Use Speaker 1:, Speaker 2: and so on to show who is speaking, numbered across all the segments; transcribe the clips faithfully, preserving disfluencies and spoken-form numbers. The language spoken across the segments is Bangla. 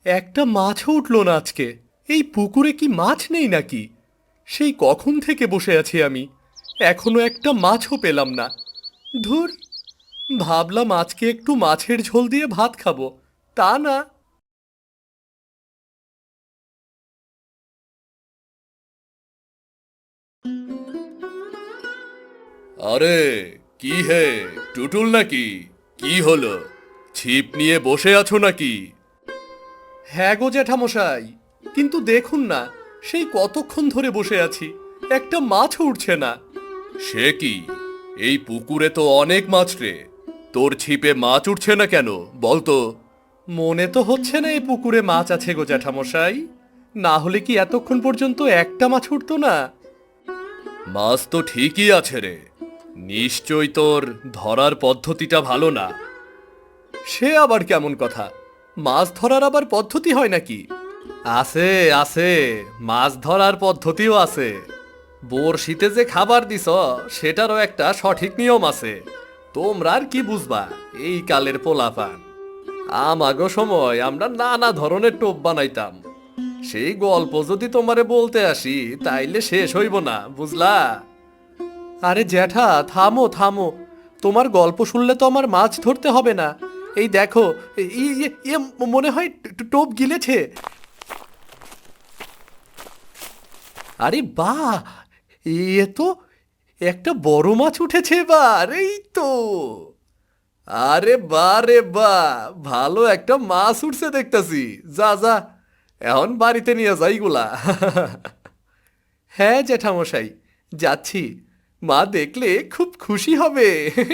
Speaker 1: একটা মাছও উঠলো না আজকে। এই পুকুরে কি মাছ নেই নাকি? সেই কখন থেকে বসে আছি আমি, এখনো একটা মাছও পেলাম না। ধুর, ভাবলাম আজকে একটু মাছের ঝোল দিয়ে ভাত খাবো, তা না। আরে, কি হে, টুটুল নাকি? কি হলো, ছিপ নিয়ে বসে আছো নাকি? হ্যাঁ গো জ্যাঠামশাই, কিন্তু দেখুন না, সেই কতক্ষণ ধরে বসে আছি, একটা মাছও উঠছে না। সে কি, এই পুকুরে তো অনেক মাছ রে, তোর ছিপে মাছ উঠছে না কেন বলতো? মনে তো হচ্ছে না এই পুকুরে মাছ আছে গো জ্যাঠামশাই, না হলে কি এতক্ষণ পর্যন্ত একটা মাছ উঠতো না? মাছ তো ঠিকই আছে রে, নিশ্চয় তোর ধরার পদ্ধতিটা ভালো না। সে আবার কেমন কথা? মাছ ধরার আবার পদ্ধতি হয় নাকি? আছে আছে, মাছ ধরার পদ্ধতিও আছে। বড়শিতে যে খাবার দিছ, সেটারও একটা সঠিক নিয়ম আছে। তোমরা আর কি বুঝবা, এই কালের পোলাপান। আমাগো সময় আমরা নানা ধরনের টোপ বানাইতাম। সেই গল্প যদি তোমারে বলতে আসি, তাইলে শেষ হইব না, বুঝলা? আরে জ্যাঠা, থামো থামো, তোমার গল্প শুনলে তো আমার মাছ ধরতে হবে না। এই দেখো, ই- ই- ইয়ে মনে হয় ট- টোপ গিলেছে। আরে বাহ, এ তো একটা বড় মাছ উঠেছে এবার, এই তো। আরে বা রে বা, ভালো একটা মাছ উঠছে দেখতাছি। যা যা, এখন বাড়িতে নিয়ে যাইগুলা। হ্যাঁ জেঠামশাই, যাচ্ছি। মা দেখলে খুব খুশি হবে।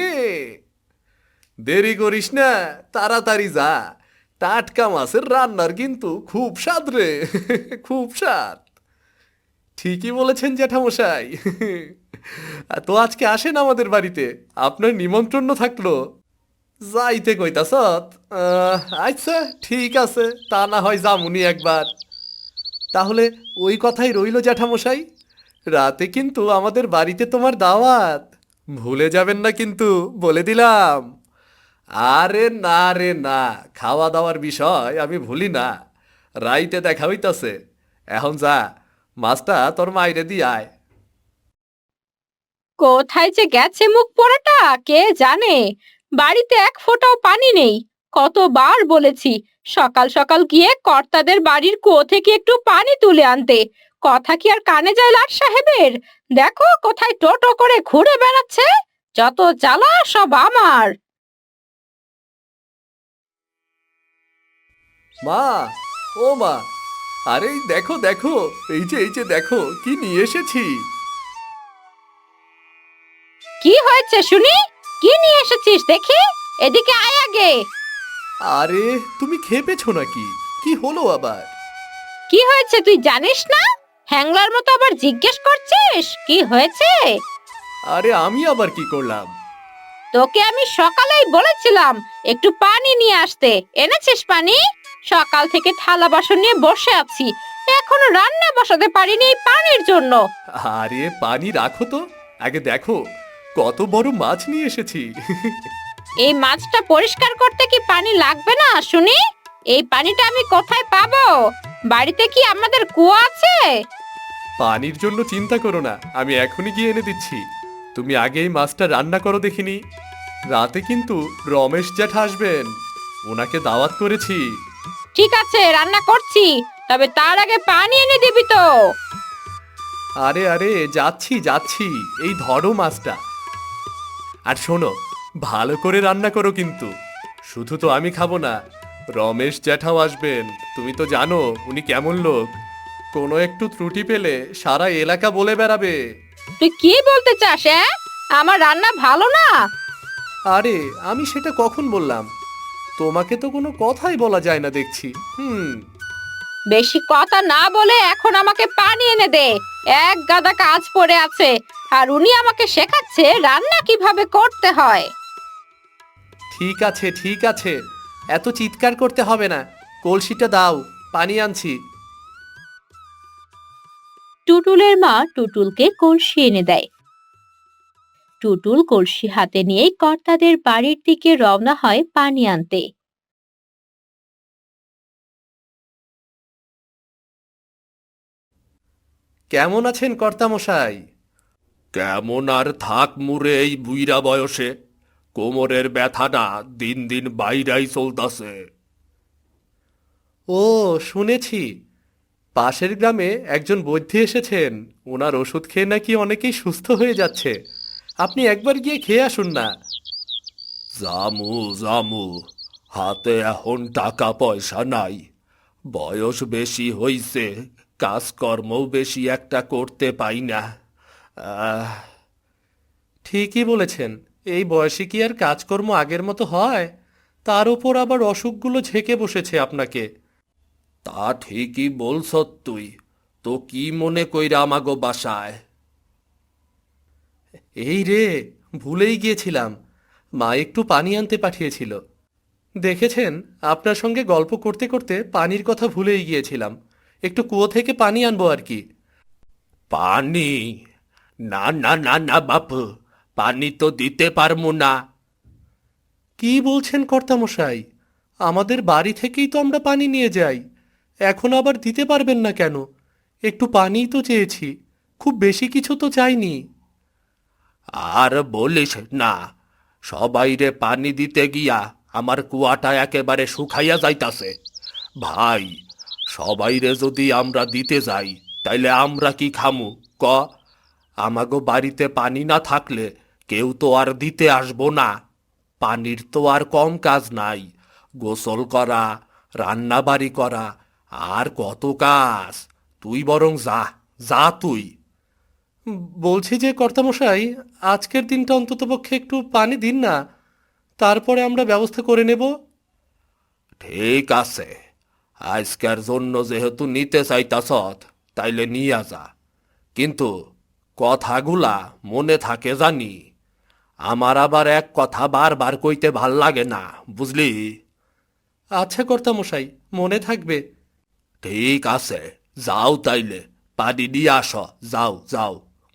Speaker 1: দেরি করিস না, তাড়াতাড়ি যা। টাটকা মাছের রান্নার কিন্তু খুব স্বাদ রে। খুব স্বাদ। ঠিকই বলেছেন জ্যাঠামশাই। তো আজকে আসেন আমাদের বাড়িতে, আপনার নিমন্ত্রণ থাকলো। যাইতে কইতাছ? আচ্ছা, ঠিক আছে, তা না হয় যামুনি একবার। তাহলে ওই কথাই রইল জ্যাঠামশাই, রাতে কিন্তু আমাদের বাড়িতে তোমার দাওয়াত, ভুলে যাবেন না কিন্তু, বলে দিলাম। আরে না রে না, খাওয়া দাওয়ার বিষয় আমি ভুলি না। রাইতে দেখা হইতাছে। এখন যা, মাছটা তোর মাইরে দি আয়।
Speaker 2: কোথায় যে গেছে মুখ পোড়াটা কে জানে। বাড়িতে এক ফোঁটাও পানি নেই। কতবার বলেছি সকাল সকাল গিয়ে কর্তাদের বাড়ির কুয়ো থেকে একটু পানি তুলে আনতে। কথা কি আর কানে যায় লাট সাহেবের? দেখো কোথায় টোটো করে ঘুরে বেড়াচ্ছে। যত জ্বালা সব আমার।
Speaker 1: মা, ও মা, আরে এই দেখো দেখো, এই যে এই যে দেখো কি নিয়ে এসেছি।
Speaker 2: কি হয়েছে শুনি? কি নিয়ে এসেছিস দেখি? এদিকে আয় আগে।
Speaker 1: আরে, তুমি খেপেছো নাকি? কি হলো আবার?
Speaker 2: কি হয়েছে তুই জানিস না? হ্যাংলার মতো আবার জিজ্ঞেস করছিস কি হয়েছে?
Speaker 1: আরে আমি আবার কি করলাম?
Speaker 2: তোকে আমি সকালেই বলেছিলাম একটু পানি নিয়ে আসতে। এনেছিস পানি? সকাল থেকে থালা বাসন নিয়ে বসে আছি, এখনো রান্না বসাতে পারিনি এই পানির জন্য।
Speaker 1: আরে পানি রাখো তো, আগে দেখো কত বড় মাছ নিয়ে এসেছি।
Speaker 2: এই মাছটা পরিষ্কার করতে কি পানি লাগবে না শুনি? এই পানিটা আমি কোথায় পাবো? বাড়িতে কি আমাদের কুয়ো আছে?
Speaker 1: পানির জন্য চিন্তা করো না, আমি এখনই গিয়ে এনে দিচ্ছি। তুমি আগে এই মাছটা রান্না করো দেখিনি। রাতে কিন্তু রমেশ জ্যাঠা আসবেন, ওনাকে দাওয়াত করেছি।
Speaker 2: ঠিক আছে, রান্না করছি, তবে তার আগে পানি এনে দিবি তো।
Speaker 1: আরে আরে, যাচ্ছি যাচ্ছি, এই ধরো মাছটা। আর শোনো, ভালো করে রান্না করো কিন্তু। শুধু তো আমি খাবো না, রমেশ জ্যাঠাও আসবেন। তুমি তো জানো উনি কেমন লোক, কোনো একটু ত্রুটি পেলে সারা এলাকা বলে বেড়াবে।
Speaker 2: তুই কি বলতে চাস? হ্যাঁ, আমার রান্না ভালো না?
Speaker 1: আরে, আমি সেটা কখন বললাম? তোমাকে তো কোনো কথাই বলা যায় না দেখছি। হুম।
Speaker 2: বেশি কথা না বলে এখন আমাকে পানি এনে দে। এক গাদা কাজ পড়ে আছে, আর উনি আমাকে শেখাচ্ছে রান্না কিভাবে করতে হয়।
Speaker 1: ঠিক আছে ঠিক আছে, এত চিৎকার করতে হবে না। কলসিটা দাও, পানি আনছি।
Speaker 2: টুটুলের মা টুটুলকে কলসি এনে দেয়। টুটুল কলসি হাতে নিয়ে কর্তাদের বাড়ির দিকে রওনা হয় পানি আনতে।
Speaker 1: কেমন আছেন কর্তামশাই? কেমন আর থাক মুরে এই বুইরা বয়সে, কোমরের ব্যথাটা দিন দিন বাইরাই চলতাছে। ও, শুনেছি পাশের গ্রামে একজন বৈদ্য এসেছেন, ওনার ওষুধ খেয়ে নাকি অনেকেই সুস্থ হয়ে যাচ্ছে। আপনি একবার গিয়ে খেয়ে আসুন না। জামু জামু, হাতে এখন টাকা পয়সা নাই, বয়স বেশি হইছে, কাজকর্মও বেশি একটা করতে পাই না। আহ ঠিকই বলেছেন, এই বয়সে কি আর কাজকর্ম আগের মতো হয়? তার উপর আবার অসুখগুলো ঝেঁকে বসেছে আপনাকে। তা ঠিকই বলছ তুই। তো কি মনে কইরা আমাগো বাসায়? এই রে, ভুলেই গিয়েছিলাম, মা একটু পানি আনতে পাঠিয়েছিল। দেখেছেন, আপনার সঙ্গে গল্প করতে করতে পানির কথা ভুলেই গিয়েছিলাম। একটু কুয়ো থেকে পানি আনবো আর কি। পানি? না না না না বাপু, পানি তো দিতে পারবো না। কি বলছেন কর্তামশাই? আমাদের বাড়ি থেকেই তো আমরা পানি নিয়ে যাই, এখন আবার দিতে পারবেন না কেন? একটু পানিই তো চেয়েছি, খুব বেশি কিছু তো চাইনি। আর বলিস না, সবাইরে পানি দিতে গিয়া আমার কুয়াটা একেবারে শুকাইয়া যাইতাছে। ভাই, সবাইরে যদি আমরা দিতে যাই তাইলে আমরা কি খামু ক? আমাগো বাড়িতে পানি না থাকলে কেউ তো আর দিতে আসবো না। পানির তো আর কম কাজ নাই, গোসল করা, রান্না বাড়ি করা, আর কত কাজ। তুই বরং যা, যা তুই। বলছি যে কর্তামশাই, আজকের দিনটা অন্ততপক্ষে একটু পানি দিন না, তারপরে আমরা ব্যবস্থা করে নেব। ঠিক আছে, আজকের জন্য যেহেতু নিতে চাইতাছত, তাইলে নিয়া যা, কিন্তু কথাগুলা মনে থাকে জানি। আমার আবার এক কথা বারবার কইতে ভাল লাগে না, বুঝলি? আচ্ছা কর্তামশাই, মনে থাকবে। ঠিক আছে, যাও তাইলে, পানি নিয়ে আসো, যাও যাও।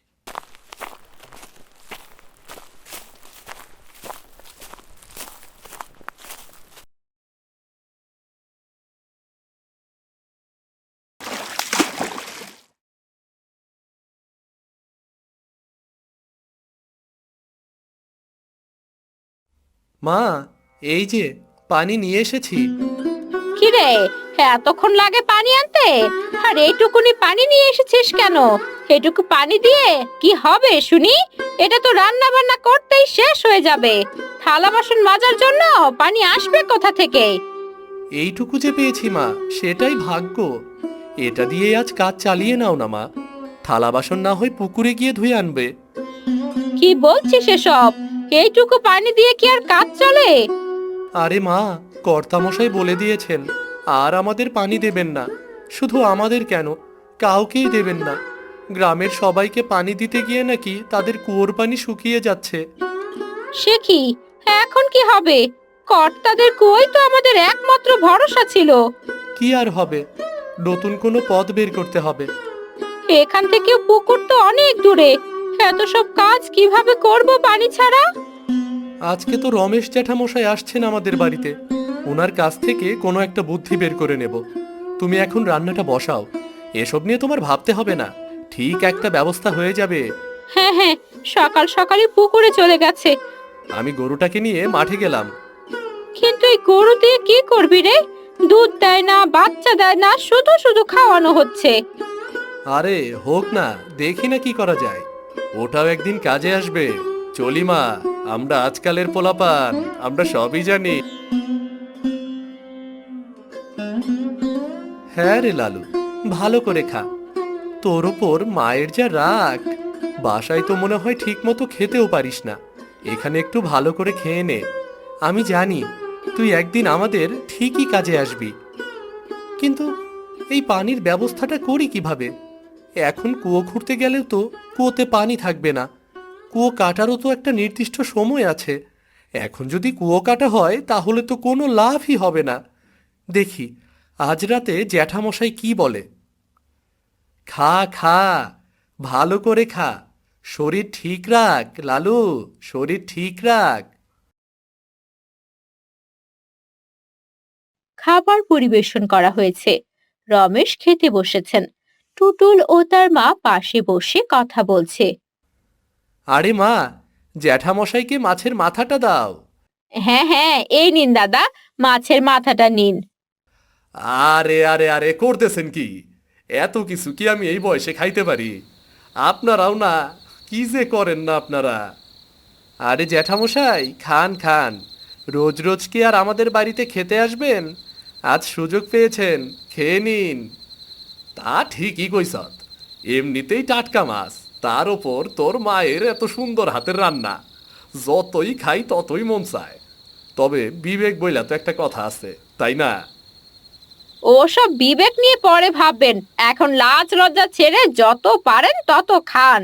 Speaker 1: মা, এই যে পানি নিয়ে এসেছি।
Speaker 2: কি রে, এতক্ষণ লাগে পানি আনতে? আর এইটুকুনি পানি নিয়ে এসেছিস কেন? এটুকু পানি দিয়ে কি হবে শুনি? এটা তো রান্না বান্না করতেই শেষ হয়ে যাবে। থালা বাসন মাজার জন্য পানি আসবে কোথা থেকে?
Speaker 1: এইটুকু যে পেয়েছি মা, সেটাই ভাগ্য। এটা দিয়েই আজ কাজ চালিয়ে নাও না মা, থালা বাসন না হয় পুকুরে গিয়ে ধুয়ে আনবে।
Speaker 2: কি বলছিস এসব? এইটুকু পানি দিয়ে কি আর কাজ চলে?
Speaker 1: আরে মা, কর্তামশাই বলে দিয়েছেন আর আমাদের পানি দেবেন না। শুধু আমাদের কেন, কাউকেই দেবেন না। গ্রামের সবাইকে পানি দিতে গিয়ে নাকি তাদের কুয়োর পানি শুকিয়ে যাচ্ছে।
Speaker 2: সে কি, এখন কি হবে? কর্তাদের কুয়োই তো আমাদের একমাত্র ভরসা ছিল।
Speaker 1: কি আর হবে, নতুন কোনো পথ বের করতে হবে।
Speaker 2: এখান থেকে পুকুর তো অনেক দূরে, এত সব কাজ কিভাবে করব পানি ছাড়া?
Speaker 1: আজকে তো রমেশ জ্যাঠামশাই আসছেন আমাদের বাড়িতে, ওনার কাছ থেকে কোনো একটা বুদ্ধি বের করে নেব। তুমি এখন রান্নাটা বসাও, এসব নিয়ে তোমার ভাবতে হবে না, ঠিক একটা ব্যবস্থা হয়ে যাবে।
Speaker 2: হ্যাঁ হ্যাঁ, সকাল সকালই পুকুরে চলে গেছে।
Speaker 1: আমি গরুটাকে নিয়ে মাঠে গেলাম।
Speaker 2: কিন্তু এই গরু দিয়ে কি করবি রে? দুধ দেয় না, বাচ্চা দেয় না, শুধু শুধু খাওয়ানো হচ্ছে।
Speaker 1: আরে হোক না, দেখি না কি করা যায়, ওটাও একদিন কাজে আসবে। চলি মা, আমরা আজকালের পোলাপান, আমরা সবই জানি। হ্যাঁ রে লালু, ভালো করে খা। তোর ওপর মায়ের যা রাগ, বাসায় তো মনে হয় ঠিক মতো খেতেও পারিস না, এখানে একটু ভালো করে খেয়ে নে। আমি জানি তুই একদিন আমাদের ঠিকই কাজে আসবি। কিন্তু এই পানির ব্যবস্থাটা করি কিভাবে? এখন কুয়ো খুঁড়তে গেলেও তো কুয়োতে পানি থাকবে না, কুয়ো কাটারও তো একটা নির্দিষ্ট সময় আছে। এখন যদি কুয়ো কাটা হয় তাহলে তো কোনো লাভই হবে না। দেখি আজ রাতে জ্যাঠামশাই কি বলে। খা খা, ভালো করে খা, শরীর ঠিক রাখ লালু, শরীর ঠিক রাখ।
Speaker 2: খাবার পরিবেশন করা হয়েছে। রমেশ খেতে বসেছেন। টুটুল ও তার মা পাশে বসে কথা বলছে।
Speaker 1: আরে মা, জ্যাঠামশাইকে মাছের মাথাটা দাও।
Speaker 2: হ্যাঁ হ্যাঁ, এই নিন দাদা, মাছের মাথাটা নিন।
Speaker 1: আরে আরে আরে করতেছেন কি? এত কিছু কি আমি এই বয়সে খাইতে পারি? আপনারাও না, কি যে করেন না আপনারা। আরে জ্যাঠামশাই, খান খান। রোজ রোজ কি আর আমাদের বাড়িতে খেতে আসবেন? আজ সুযোগ পেয়েছেন, খেয়ে নিন। তা ঠিকই কইছত, এমনিতেই টাটকা মাছ, তার ওপর তোর মায়ের এত সুন্দর হাতের রান্না। যতই খাই ততই মন চায়। তবে বিবেক বইলা তো একটা কথা আছে, তাই না?
Speaker 2: ওসব বিবেক নিয়ে পরে ভাববেন, এখন লাজ লজ্জা ছেড়ে যত পারেন তত খান।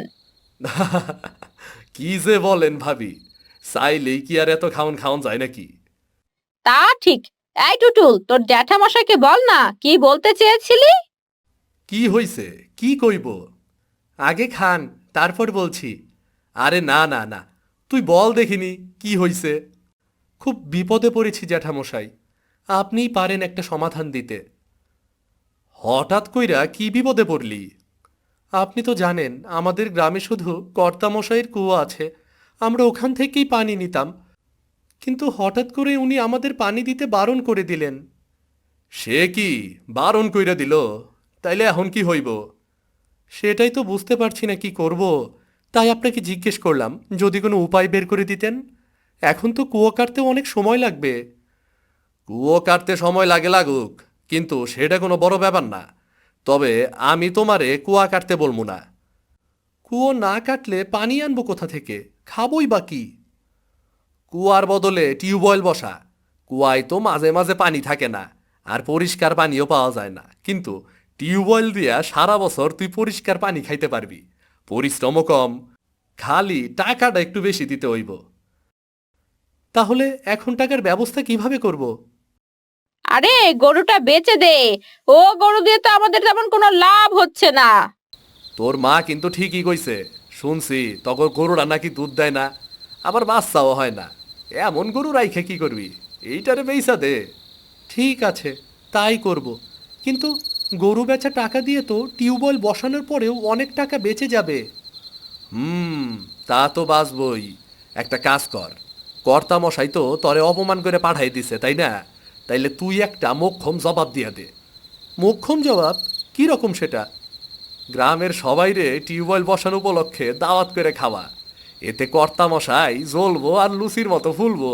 Speaker 1: কি যে বলেন ভাবি, চাইলেই কি আর এত খাওন খাওন যায় নাকি?
Speaker 2: তা ঠিক। এই টুটুল, তোর জ্যাঠামশাইকে বল না কি বলতে চেয়েছিলি।
Speaker 1: কি হইছে, কি কইব? আগে খান, তারপর বলছি। আরে না না না, তুই বল দেখিনি কি হইছে। খুব বিপদে পড়েছি জ্যাঠামশাই, আপনিই পারেন একটা সমাধান দিতে। হঠাৎ কইরা কি বিপদে পড়লি? আপনি তো জানেন আমাদের গ্রামে শুধু কর্তামশাইয়ের কুয়ো আছে, আমরা ওখান থেকেই পানি নিতাম। কিন্তু হঠাৎ করে উনি আমাদের পানি দিতে বারণ করে দিলেন। সে কি, বারণ কইরা দিল? তাইলে এখন কি হইব? সেটাই তো বুঝতে পারছি না কি করব। তাই আপনাকে জিজ্ঞেস করলাম যদি কোনো উপায় বের করে দিতেন। এখন তো কুয়ো কাটতেও অনেক সময় লাগবে। কুয়ো কাটতে সময় লাগে লাগুক, কিন্তু সেটা কোনো বড় ব্যাপার না। তবে আমি তোমারে কুয়া কাটতে বলবো না। কুয়ো না কাটলে পানি আনবো কোথা থেকে? খাবই বা কি? কুয়ার বদলে টিউবওয়েল বসা। কুয়ায় তো মাঝে মাঝে পানি থাকে না, আর পরিষ্কার পানিও পাওয়া যায় না, কিন্তু টিউবওয়েল দিয়া সারা বছর তুই পরিষ্কার পানি খাইতে পারবি। পরিশ্রমও কম, খালি টাকাটা একটু বেশি দিতে হইব। তাহলে এখন টাকার ব্যবস্থা কিভাবে করব?
Speaker 2: আরে গরুটা বেচে দে, ও গরু দিয়ে তো আমাদের তেমন কোনো লাভ হচ্ছে না।
Speaker 1: তোর মা কিন্তু ঠিকই কইছে, শুনছি তখন গরুরা নাকি দুধ দেয় না, আবার বাচ্চাও হয় না। এমন গরু রাইখে কি করবি? এইটারে বেইসা দে। ঠিক আছে, তাই করব। কিন্তু গরু বেচা টাকা দিয়ে তো টিউবওয়েল বসানোর পরেও অনেক টাকা বেঁচে যাবে। হুম, তা তো বাঁচবই। একটা কাজ কর, কর্তামশাই তো তরে অপমান করে পাঠাই দিছে, তাই না? তাইলে তুই একটা মোক্ষম জবাব দিয়া দে। মোক্ষম জবাব? কি রকম সেটা? গ্রামের সবাইরে টিউবওয়েল বসানো উপলক্ষে দাওয়াত করে খাওয়া। এতে কর্তামশাই জ্বলবো আর লুচির মতো ফুলবো।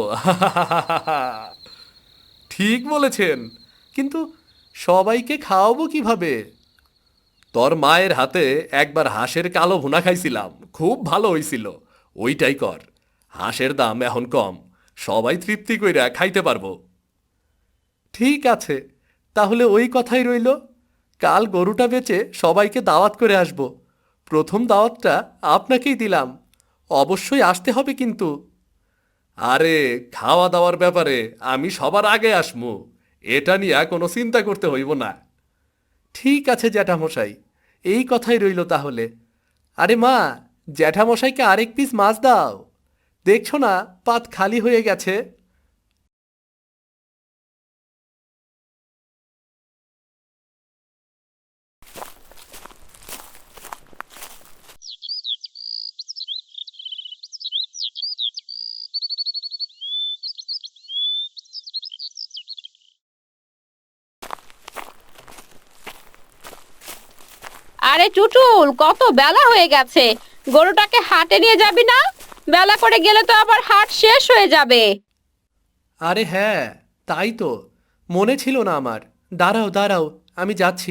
Speaker 1: ঠিক বলেছেন, কিন্তু সবাইকে খাওয়াবো কিভাবে? তোর মায়ের হাতে একবার হাঁসের কালো ভুনা খাইছিলাম, খুব ভালো হইছিল। ওইটাই কর। হাঁসের দাম এখন কম, সবাই তৃপ্তি কইরা খাইতে পারবো। ঠিক আছে, তাহলে ওই কথাই রইল। কাল গরুটা বেচে সবাইকে দাওয়াত করে আসব। প্রথম দাওয়াতটা আপনাকেই দিলাম, অবশ্যই আসতে হবে কিন্তু। আরে, খাওয়া দাওয়ার ব্যাপারে আমি সবার আগে আসমু, এটা নিয়ে কোনো চিন্তা করতে হইব না। ঠিক আছে জ্যাঠামশাই, এই কথাই রইল তাহলে। আরে মা, জ্যাঠামশাইকে আরেক পিস মাছ দাও। দেখছো না পাত খালি হয়ে গেছে।
Speaker 2: আরে টুটুল, কত বেলা হয়ে গেছে, গরুটাকে হাটে নিয়ে যাবি না? বেলা করে গেলে তো আবার হাট শেষ হয়ে যাবে।
Speaker 1: আরে হ্যাঁ, তাই তো, মনে ছিল না আমার। দাঁড়াও দাঁড়াও, আমি যাচ্ছি।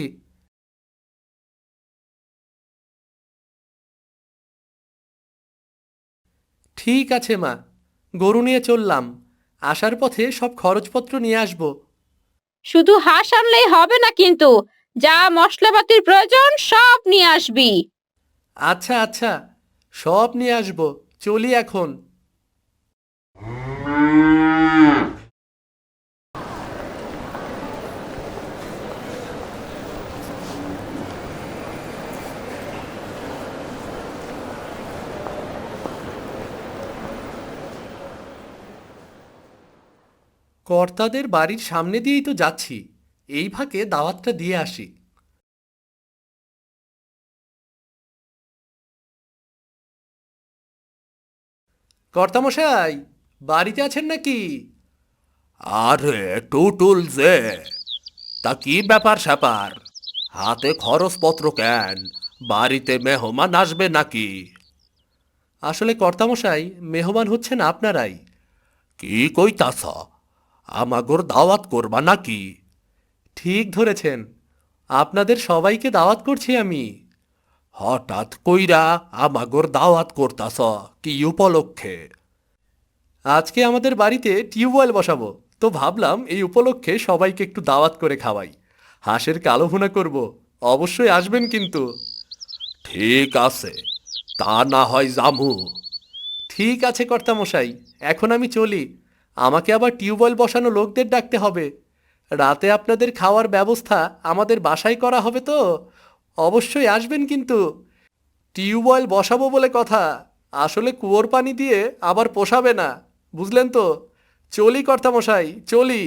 Speaker 1: ঠিক আছে মা, গরু নিয়ে চললাম। আসার পথে সব খরচপত্র নিয়ে আসব।
Speaker 2: শুধু হাঁস আনলেই হবে না কিন্তু, যা মশলাপাতির প্রয়োজন সব নিয়ে আসবি।
Speaker 1: আচ্ছা আচ্ছা, সব নিয়ে আসব। চলি এখন। কর্তাদের বাড়ির সামনে দিয়েই তো যাচ্ছি, এই ফাঁকে দাওয়াতটা দিয়ে আসি। কর্তামশাই, বাড়িতে আছেন নাকি? আরে টুটুল যে, তা কি ব্যাপার স্যাপার? হাতে খরচপত্র কেন? বাড়িতে মেহমান আসবে নাকি? আসলে কর্তামশাই, মেহমান হচ্ছেন আপনারাই। কি কইতাছ? আমাগোর দাওয়াত করবা নাকি? ঠিক ধরেছেন, আপনাদের সবাইকে দাওয়াত করছি আমি। হঠাৎ কইরা আমাগোর দাওয়াত করতাছ কি উপলক্ষে? আজকে আমাদের বাড়িতে টিউবওয়েল বসাবো, তো ভাবলাম এই উপলক্ষে সবাইকে একটু দাওয়াত করে খাওয়াই। হাঁসের কালো ভুনা করব, অবশ্যই আসবেন কিন্তু। ঠিক আছে, তা না হয় জামু। ঠিক আছে কর্তামশাই, এখন আমি চলি। আমাকে আবার টিউবওয়েল বসানো লোকদের ডাকতে হবে। রাতে আপনাদের খাওয়ার ব্যবস্থা আমাদের বাসায় করা হবে তো, অবশ্যই আসবেন কিন্তু। টিউবওয়েল বসাবো বলে কথা, আসলে কুয়োর পানি দিয়ে আবার পোষাবে না, বুঝলেন তো? চলি কর্তামশাই, চলি।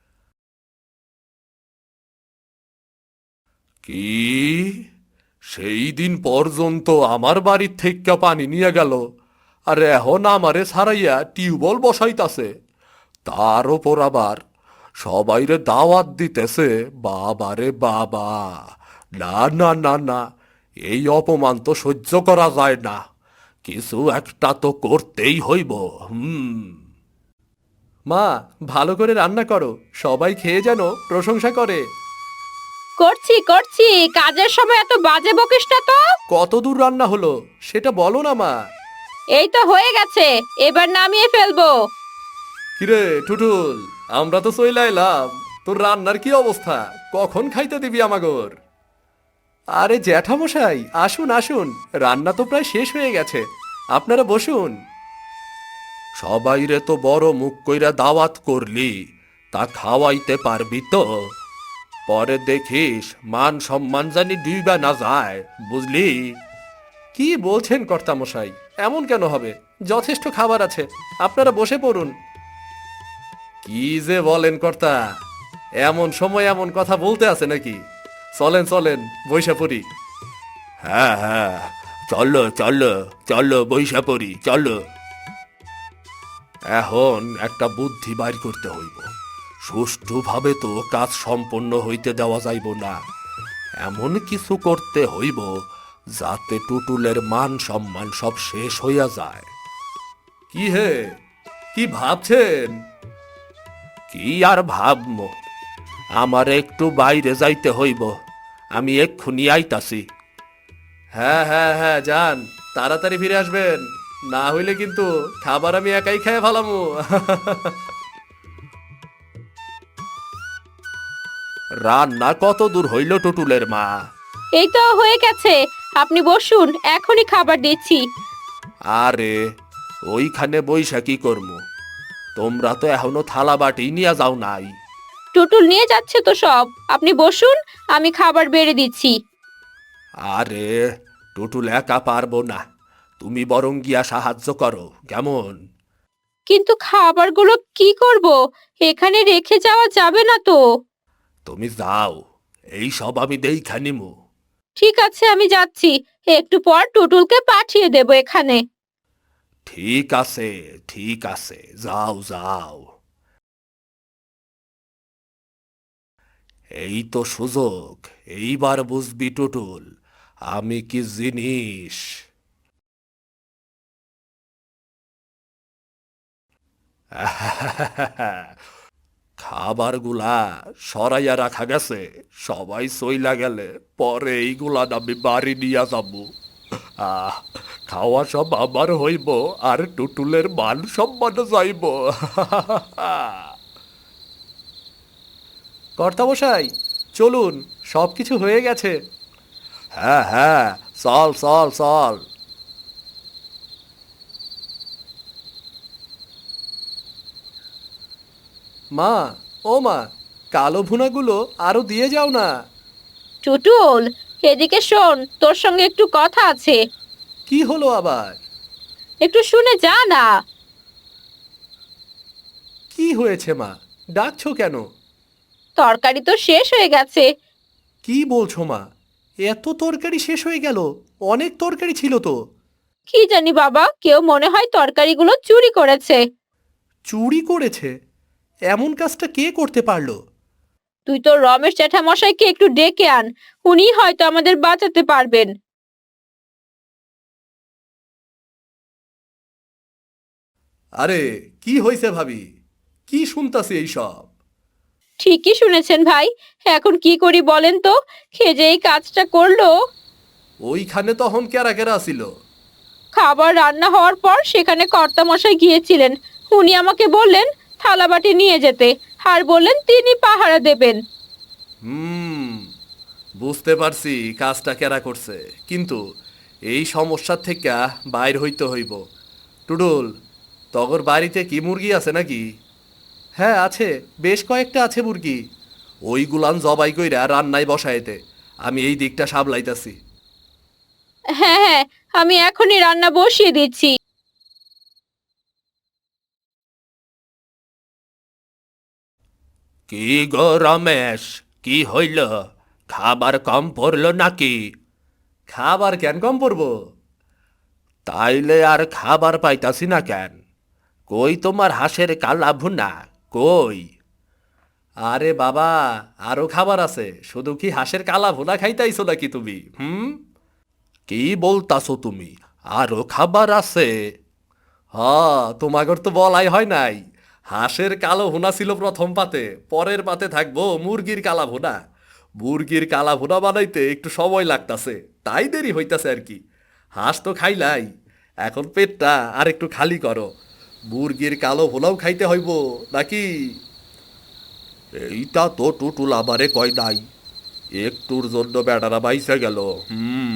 Speaker 1: কি? সেই দিন পর্যন্ত আমার বাড়ির থেকে পানি নিয়ে গেল, আর এখন আমারে ছাড়াইয়া টিউবওয়েল বসাইতাছে, তার ওপর আবার সবাইরে দাওয়াত দিতেছে। বাবারে বাবা! না না না না, এই অপমান তো সহ্য করা যায় না। কিছু একটা তো করতেই হইব। হুম। মা, ভালো করে রান্না করো, সবাই খেয়ে যেন প্রশংসা করে।
Speaker 2: করছি করছি, কাজের সময় এত বাজে বকিস না তো।
Speaker 1: কত দূর রান্না হলো সেটা বলো না মা।
Speaker 2: এই তো হয়ে গেছে, এবার নামিয়ে ফেলবো।
Speaker 1: কিরে টুটুল, আমরা তো চইলা এলাম, তোর রান্নার কি অবস্থা? কখন খাইতে দিবি আমাগর? আরে জ্যাঠামশাই, আসুন আসুন, রান্না তো প্রায় শেষ হয়ে গেছে, আপনারা বসুন। সবাইরে তো বড় মুখ কইরা দাওয়াত করলি, তা খাওয়াইতে পারবি তো? পরে দেখিস মান সম্মান জানি ডুইবা না যায়, বুঝলি? কি বলছেন কর্তামশাই, এমন কেন হবে? যথেষ্ট খাবার আছে, আপনারা বসে পড়ুন। কি যে বলেন কর্তা, এমন সময় এমন কথা বলতে আছে নাকি? চলেন চলেন, বৈশা পড়ি। হ্যাঁ হ্যাঁ, চলো চলো চলো, বৈশা পড়ি চলো। এখন একটা বুদ্ধি বাইর করতে হইব। সুষ্ঠুভাবে তো কাজ সম্পন্ন হইতে দেওয়া যাইব না, এমন কিছু করতে হইব যাতে টুটুলের মান সম্মান সব শেষ হইয়া যায়। কি হে, কি ভাবছেন? কি আর ভাবমো, আমার একটু বাইরে যাইতে হইব, আমি এক্ষুনি আইতাছি। হ্যাঁ হ্যাঁ হ্যাঁ, যান, তাড়াতাড়ি ফিরে আসবেন, না হইলে কিন্তু খাবার আমি একাই খেয়ে ফেলামু। রান্না কত দূর হইল টুটুলের মা?
Speaker 2: এই তো হয়ে গেছে, আপনি বসুন, এখনই খাবার দিচ্ছি।
Speaker 1: আরে, ওইখানে বইসা কি করমু? তোমরা তো এখনো থালা বাটি নিয়ে যাও নাই।
Speaker 2: টুটুল নিয়ে যাচ্ছে তো সব, আপনি বসুন, আমি খাবার বেড়ে দিচ্ছি।
Speaker 1: আরে, টুটুল একা পারবো না, তুমি বরং গিয়া সাহায্য করো, কেমন?
Speaker 2: কিন্তু খাবারগুলো কি করব? এখানে রেখে যাওয়া যাবে না তো।
Speaker 1: তুমি যাও, এই সব আমি দেইখা নিমু।
Speaker 2: ঠিক আছে, আমি যাচ্ছি, একটু পর টুটুলকে পাঠিয়ে দেব এখানে।
Speaker 1: ঠিক আছে ঠিক আছে, যাও যাও। এই তো সুযোগ, এইবার বুঝবি টুটুল আমি কি জিনিস। খাবারগুলা সরাইয়া রাখা গেছে, সবাই সইলা গেলে পরে এইগুলা আমি বাড়ি নিয়ে যাব। আহ, খাওয়া সব আমার হইব, আর টুটুলের মান সম্মান যাইব। কর্তামশাই, চলুন, সব কিছু হয়ে গেছে। হ্যাঁ হ্যাঁ, চল চল চল। মা, ও মা, কালো ভুনাগুলো আরো দিয়ে যাও না।
Speaker 2: টুটুল, এদিকে শোন, তোর সঙ্গে একটু কথা আছে।
Speaker 1: কি হলো আবার?
Speaker 2: একটু শুনে যা না।
Speaker 1: কি হয়েছে মা, ডাকছো কেন?
Speaker 2: তরকারি তো শেষ হয়ে গেছে।
Speaker 1: কি বলছো মা, এত তরকারি শেষ হয়ে গেল? অনেক তরকারি ছিল তো।
Speaker 2: কি জানি বাবা, কেউ মনে হয় তরকারিগুলো চুরি করেছে।
Speaker 1: চুরি করেছে? এমন কাজটা কে করতে পারলো?
Speaker 2: তুই তো রমেশ জ্যাঠামশাইকে একটু ডেকে আন, উনি হয়তো আমাদের বাঁচাতে পারবেন।
Speaker 1: আরে, কি হয়েছে ভাবি? কি শুনতাছি এইসব?
Speaker 2: ঠিকই শুনেছেন ভাই, এখন কি করি বলেন তো? খেয়ে যে এই কাজটা করলো।
Speaker 1: ওইখানে তখন কেরা কেরা ছিল?
Speaker 2: খাবার রান্না হওয়ার পর সেখানে কর্তামশাই গিয়েছিলেন। উনি আমাকে বললেন থালাবাটি নিয়ে যেতে, আর বললেন তিনি পাহারা দেবেন।
Speaker 1: হুম, বুঝতে পারছি কাজটা কেরা করছে, কিন্তু এই সমস্যার থেকে বাইর হইতে হইব। টুডুল, তগর বাড়িতে কি মুরগি আছে নাকি? হ্যাঁ আছে, বেশ কয়েকটা আছে মুরগি। ওইগুলান জবাই কইরা রান্নায় বসাইতে আমি এই দিকটা সামলাইতাছি।
Speaker 2: হ্যাঁ হ্যাঁ, আমি এখনই রান্না বসিয়ে দিচ্ছি।
Speaker 1: কি গো রমেশ, কি হইল? খাবার কম পড়লো নাকি? খাবার কেন কম পড়বো? তাইলে আর খাবার পাইতাছি না কেন? কই তোমার হাঁসের কালা ভুনা, কই? আরে বাবা, আরো খাবার আছে, শুধু কি হাঁসের কালা ভুনা খাইতাইছো নাকি তুমি? হুম, কি বলতাছো তুমি? আরো খাবার আছে? হ, তোমাগর তো বলাই হয় নাই। হাঁসের কালো ভুনা ছিল প্রথম পাতে, পরের পাতে থাকবো মুরগির কালা ভুনা। মুরগির কালা ভুনা বানাইতে একটু সময় লাগতাছে, তাই দেরি হইতাছে আর কি। হাঁস তো খাইলাই, এখন পেটটা আর একটু খালি করো। মুরগির কালো ভুনাও খাইতে হইব নাকি? এইটা তো টুটুল আবারে কয় নাই, একটুর জন্য বেটারা বাইসে গেল। হুম,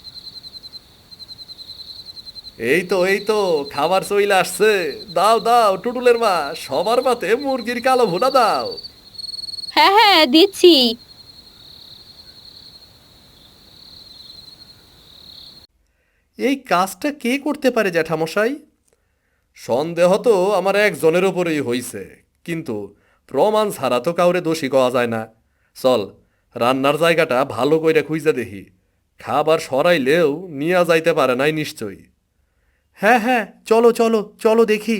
Speaker 1: এই তো এই তো খাবার চইলে আসছে। দাও দাও টুটুলের মা, সবার পাতে মুরগির কালো ভুনা দাও।
Speaker 2: হ্যাঁ হ্যাঁ দিচ্ছি।
Speaker 1: এই কাজটা কে করতে পারে জ্যাঠামশাই? সন্দেহ তো আমার একজনের ওপরেই হইছে, কিন্তু প্রমাণ ছাড়া তো কাউরে দোষী কওয়া যায় না। চল, রান্নার জায়গাটা ভালো কইরা খুঁজে দেখি। খাবার সরাইলেও নিয়া যাইতে পারে নাই নিশ্চয়ই। হ্যাঁ হ্যাঁ, চলো চলো চলো দেখি।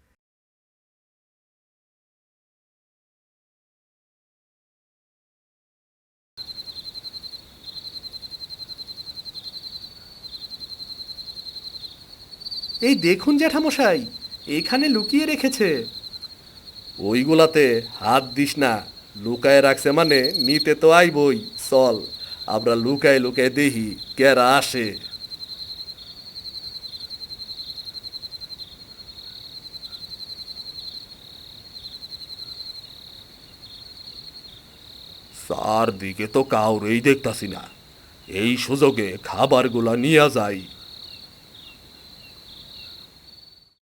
Speaker 1: এই দেখুন জ্যাঠামশাই, এখানে লুকিয়ে রেখেছে। ওইগুলাতে হাত দিস না, লুকায় রাখছে মানে নিতে তো আইবই। চল, আমরা লুকায় লুকায় দেখি কেরা আসে। চারদিকে তো কাউরেই দেখতাছি না। এই সুযোগে খাবারগুলা নিয়ে যাই,